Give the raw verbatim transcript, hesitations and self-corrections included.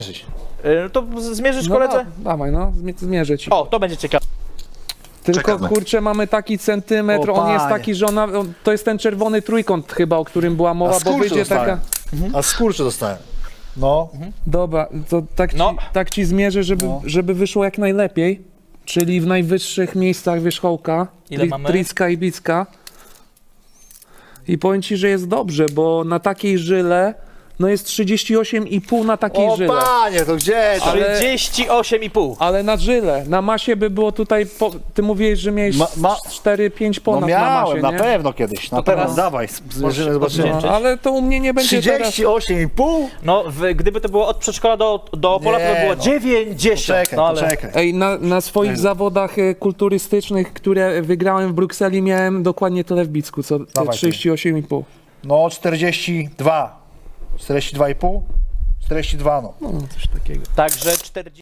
Yy, to z- zmierzysz No, koledze? da, dawaj, no, zmie- zmierzę ci. O, to będzie ciekawe. Tylko czekamy. kurczę, mamy taki centymetr, O, on jest panie. taki, że ona, on, to jest ten czerwony trójkąt chyba, o którym była mowa, bo skurcz wyjdzie dostałem. taka... A skurcze dostałem. No, Dobra, to tak ci, No. tak ci zmierzę, żeby, No. żeby wyszło jak najlepiej, czyli w najwyższych miejscach wierzchołka, Ile mamy? Triska i Bicka. I powiem ci, że jest dobrze, bo na takiej żyle, no jest trzydzieści osiem i pół na takiej o żyle. panie, to gdzie to? Ale- trzydzieści osiem i pół. Ale na żyle, na masie by było tutaj, po, ty mówiłeś, że miałeś Ma- ma- cztery pięć No ponad na miałem, masie, na nie? pewno kiedyś, na pewno. teraz Dawaj, zmierzymy, zobaczymy. podliczyć. No, ale to u mnie nie będzie teraz. trzydzieści osiem i pół? No, w, gdyby to było od przedszkola do, do Opola, to by Nie, było no. dziewięćdziesiąt. Czekaj, no, ale... poczekaj. Ej, na, na swoich zawodach e, kulturystycznych, które wygrałem w Brukseli, miałem dokładnie tyle w Bicku, co te Dawaj, trzydzieści osiem i pół. No, czterdzieści dwa. czterdzieści dwa i pół? czterdzieści dwa, no. No, coś takiego. Także czterdzieści.